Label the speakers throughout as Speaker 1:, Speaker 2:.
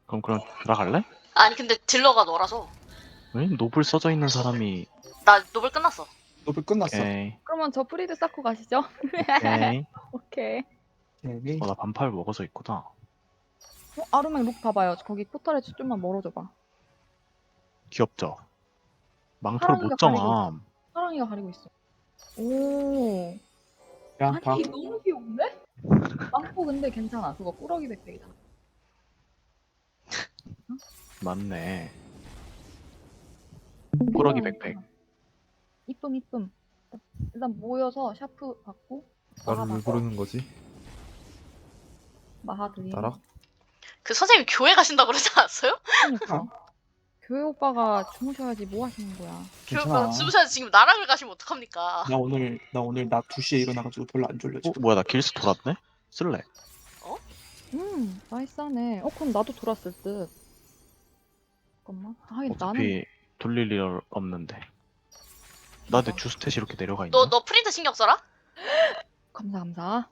Speaker 1: 그럼 들어갈래?
Speaker 2: 아니 근데 딜러가 너라서.
Speaker 1: 왜? 노블 써져 있는 사람이.
Speaker 2: 나 노블 끝났어.
Speaker 3: 노블 끝났어.
Speaker 1: 오케이.
Speaker 4: 그러면 저 프리드 쌓고 가시죠.
Speaker 1: 오케이.
Speaker 4: 오케이.
Speaker 3: 오케이.
Speaker 1: 나 반팔 먹어져 있구나.
Speaker 4: 아르맹 룩 봐봐요. 거기 포털에 좀만 멀어줘봐.
Speaker 1: 귀엽죠? 망토를 못 정함.
Speaker 4: 사랑이가 가리고 있어. 오.
Speaker 3: 야,
Speaker 4: 아니
Speaker 3: 봐.
Speaker 4: 너무 귀여운데? 망토 근데 괜찮아. 그거 꾸러기 백팩이다.
Speaker 1: 맞네. 꾸러기 백팩.
Speaker 4: 이쁨. 일단 모여서 샤프 받고
Speaker 5: 나를 왜 부르는 거지?
Speaker 4: 마하드림.
Speaker 5: 나라?
Speaker 2: 그 선생님 교회 가신다고 그러지 않았어요?
Speaker 4: 그러니까. 교회 오빠가 주무셔야지 뭐 하시는 거야.
Speaker 2: 교회
Speaker 3: 괜찮아.
Speaker 2: 오빠 주무셔야지 지금 나락을 가시면 어떡합니까?
Speaker 3: 나 오늘 낮 2시에 일어나가지고 별로 안 졸려 지금.
Speaker 1: 뭐야, 나 길스 돌았네? 쓸래?
Speaker 4: 나이스하네. 그럼 나도 돌았을 듯. 잠깐만. 나는
Speaker 1: 어차피 돌릴 일 없는데. 나 내 주스탯이 이렇게 내려가 있나?
Speaker 2: 너 프린트 신경 써라?
Speaker 4: 감사.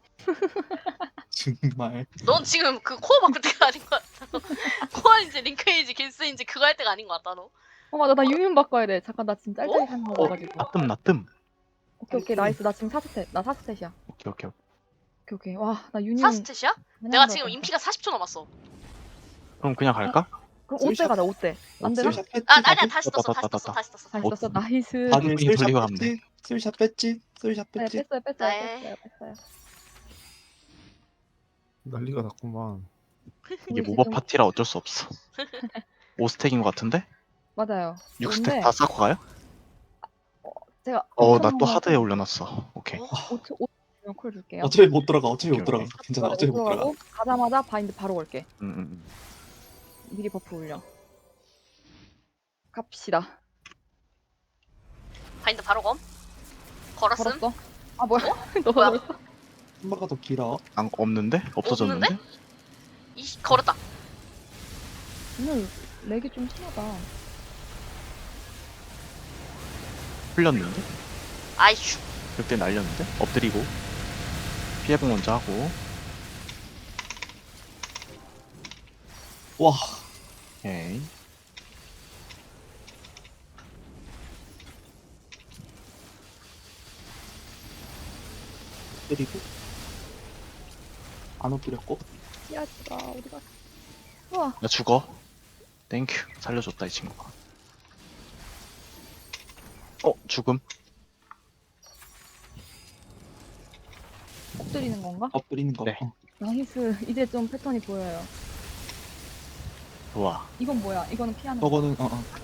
Speaker 3: 정말.
Speaker 2: 넌 지금 그 코어 바꿀 때가 아닌 것 같아. 코어인지 링크인지 길스인지 그거 할 때가 아닌 것 같다 너.
Speaker 4: 맞아. 나 유인 바꿔야 돼. 잠깐 나 지금 짤짤이 사는 거 가지고.
Speaker 1: 나 뜸.
Speaker 4: 오케이. 나이스. 나 지금 4스탯. 나 4스탯이야.
Speaker 1: 오케이.
Speaker 4: 와, 나 유니온.
Speaker 2: 4스탯이야? 내가 지금 인피가 40초 남았어.
Speaker 1: 그럼 그냥 갈까?
Speaker 4: 그럼 5대 가자. 5대. 안 되나?
Speaker 3: 쓸샷 뺐지?
Speaker 2: 아니야 다시 떴어.
Speaker 1: 떴다.
Speaker 4: 다시 썼어. 나이스.
Speaker 3: 다들
Speaker 1: 이
Speaker 3: 쓸샷
Speaker 1: 돌리고 가면
Speaker 3: 뺐지? 쓸샷 뺐지? 쓸샷
Speaker 4: 네,
Speaker 3: 뺐지?
Speaker 2: 네.
Speaker 4: 뺐어요.
Speaker 5: 난리가 났구만.
Speaker 1: 이게
Speaker 4: 우리
Speaker 1: 모바
Speaker 4: 지금-
Speaker 1: 파티라 어쩔 수 없어. 5스택인 것 같은데?
Speaker 4: 맞아요.
Speaker 1: 6스택
Speaker 4: 근데
Speaker 1: 다 쌓고 가요?
Speaker 4: 제가
Speaker 1: 나 또 하드에 올려놨어. 오케이.
Speaker 4: 5초 콜 줄게요.
Speaker 3: 어차피 못 들어가. 어차피 못
Speaker 1: 오케이,
Speaker 3: 들어가. 괜찮아. 어차피 못 들어가.
Speaker 4: 들어가고 가자마자 바인드 바로 걸게.
Speaker 1: 음.
Speaker 4: 미리 버프 올려. 갑시다.
Speaker 2: 바인드 바로 검. 걸었음.
Speaker 4: 걸었어? 아 뭐야? 너
Speaker 2: 뭐야?
Speaker 4: 걸었어?
Speaker 3: 한바가 더 길어.
Speaker 1: 없는데? 없어졌는데?
Speaker 2: 걸었다.
Speaker 4: 오늘 렉이 좀 심하다.
Speaker 1: 풀렸는데?
Speaker 2: 아이슈.
Speaker 1: 그때 날렸는데? 엎드리고 피해복 먼저 하고.
Speaker 3: 와.
Speaker 1: 오케이.
Speaker 3: 때리고. 안 엎드렸고.
Speaker 4: 씨앗이가 어디 갔어? 우와.
Speaker 1: 나 죽어. 땡큐. 살려줬다 이 친구가. 죽음.
Speaker 4: 엎드리는 건가?
Speaker 3: 엎드리는 거.
Speaker 1: 네.
Speaker 4: 나이스. 이제 좀 패턴이 보여요.
Speaker 1: 좋아.
Speaker 4: 이건 뭐야? 이거는 피하는 거.
Speaker 3: 저거는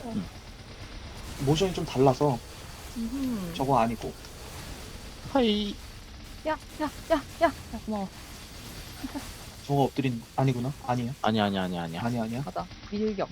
Speaker 3: 모션이 좀 달라서
Speaker 4: 음흠.
Speaker 3: 저거 아니고.
Speaker 1: 하이.
Speaker 4: 야, 고마워.
Speaker 3: 저거 엎드리는 거 아니구나. 아니야.
Speaker 1: 아니야.
Speaker 3: 아니야.
Speaker 4: 맞아. 밀격.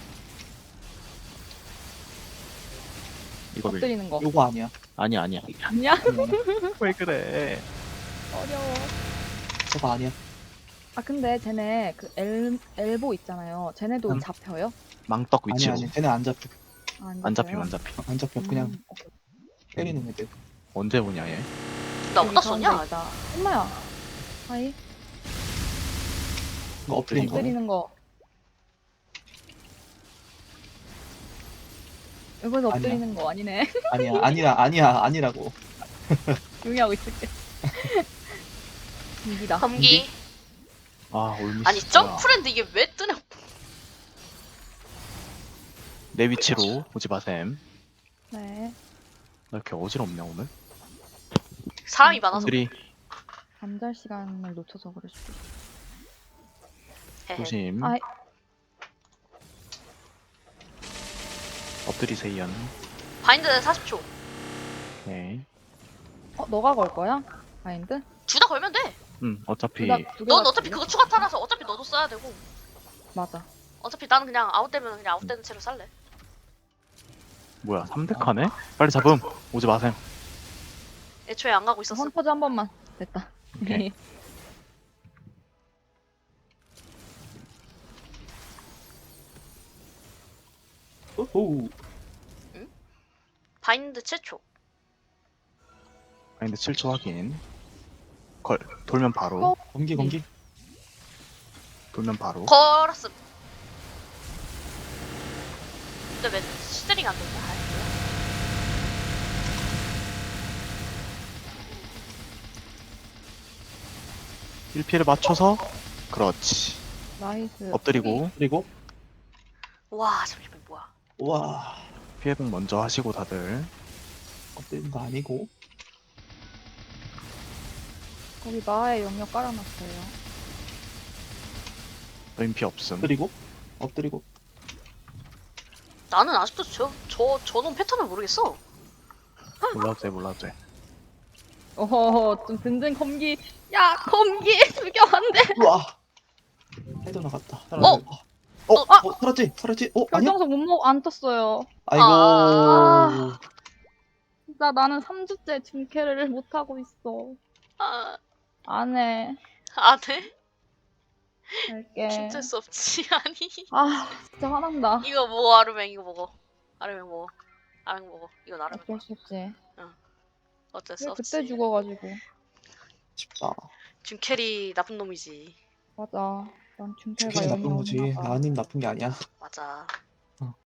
Speaker 1: 이거 밀.
Speaker 4: 엎드리는 거.
Speaker 3: 요거 아니야.
Speaker 1: 아니야.
Speaker 4: 아니야?
Speaker 3: 아니야.
Speaker 1: 왜 그래?
Speaker 4: 어려워.
Speaker 3: 저거 아니야.
Speaker 4: 아 근데 쟤네 그 엘보 있잖아요. 쟤네도 잡혀요?
Speaker 1: 망떡 위치로.
Speaker 3: 아니야. 쟤네 안 잡혀.
Speaker 1: 안 잡힘.
Speaker 3: 안 잡혀. 그냥
Speaker 4: 오케이.
Speaker 3: 때리는 애들.
Speaker 1: 언제 오냐 얘?
Speaker 2: 나
Speaker 4: 여기
Speaker 2: 어디다 쏘냐?
Speaker 4: 가운데 있다. 엄마야. 하이.
Speaker 3: 이거 엎드리는 거.
Speaker 4: 엎드리는 거. 이거서
Speaker 3: 아니야.
Speaker 4: 엎드리는 거 아니네.
Speaker 3: 아니라고.
Speaker 4: 조용히하고 있을게. 이기다.
Speaker 2: 검기.
Speaker 1: 올미스.
Speaker 2: 아니 점프랜드 이게 왜 뜨냐?
Speaker 1: 내 위치로 오지 마셈.
Speaker 4: 네.
Speaker 1: 나 이렇게 어지럽냐 오늘?
Speaker 2: 사람이 많아서.
Speaker 1: 3
Speaker 4: 잠잘 시간을 놓쳐서 그럴 수도 있어.
Speaker 2: 헤헤.
Speaker 1: 조심.
Speaker 4: 아이.
Speaker 1: 엎드리세요.
Speaker 2: 바인드 40초.
Speaker 1: 오케이.
Speaker 4: 너가 걸 거야? 바인드?
Speaker 2: 둘 다 걸면 돼.
Speaker 1: 어차피
Speaker 4: 두
Speaker 2: 넌
Speaker 4: 개가
Speaker 2: 어차피
Speaker 4: 있거든?
Speaker 2: 그거 추가 타라서 어차피 너도 써야 되고.
Speaker 4: 맞아.
Speaker 2: 어차피 나는 그냥 아웃되면 그냥 아웃되는 채로 살래.
Speaker 1: 뭐야 3덱하네? 빨리 잡음. 오지 마셈.
Speaker 2: 애초에 안 가고 있었어.
Speaker 4: 헌터즈 한 번만. 됐다.
Speaker 1: 오케이.
Speaker 3: 오호.
Speaker 2: 바인드 7초.
Speaker 1: 아닌데 7초 확인. 돌면 바로.
Speaker 3: 검기.
Speaker 1: 돌면 바로.
Speaker 2: 걸었음. 근데 왜 시드링 안 된다? 아, 뭐야?
Speaker 1: 1피를 맞춰서 그렇지.
Speaker 4: 나이스.
Speaker 1: 엎드리고
Speaker 3: 그리고
Speaker 2: 와 잠시만 뭐야?
Speaker 3: 와
Speaker 1: 피해복 먼저 하시고 다들.
Speaker 3: 엎드리는 거 아니고
Speaker 4: 거기 마의 영역 깔아놨어요.
Speaker 1: 노인피 없음.
Speaker 3: 엎드리고 엎드리고
Speaker 2: 나는 아직도 저놈 패턴을 모르겠어.
Speaker 1: 몰라도 돼 몰라도 돼.
Speaker 4: 어허, 좀 든든 검기. 야, 검기! 죽여, 안 돼!
Speaker 3: 우와 헤드 나갔다. 살았지 살았지. 아니야?
Speaker 4: 결정석 못 먹, 안 떴어요.
Speaker 3: 아이고
Speaker 2: 아.
Speaker 4: 진짜 나는 3주째 중캐를 못하고 있어.
Speaker 2: 아,
Speaker 4: 안 해.
Speaker 2: 안 해?
Speaker 4: 할게.
Speaker 2: 진짜 수 없지 아니.
Speaker 4: 아, 진짜 화난다.
Speaker 2: 이거 먹어 아르맹 이거 먹어. 아르맹 먹어. 아르맹 먹어. 이건 아르맹
Speaker 4: 어쩔
Speaker 2: 먹어.
Speaker 4: 수 없지.
Speaker 2: 어쩔 수
Speaker 4: 왜
Speaker 2: 없지.
Speaker 4: 그때 죽어가지고.
Speaker 3: 쉽다.
Speaker 2: 준캐리 나쁜 놈이지.
Speaker 4: 맞아. 난 중캐가
Speaker 3: 중캐가 나쁜
Speaker 4: 영이
Speaker 3: 거지.
Speaker 4: 없나 봐.
Speaker 3: 나님 나쁜 게 아니야.
Speaker 2: 맞아.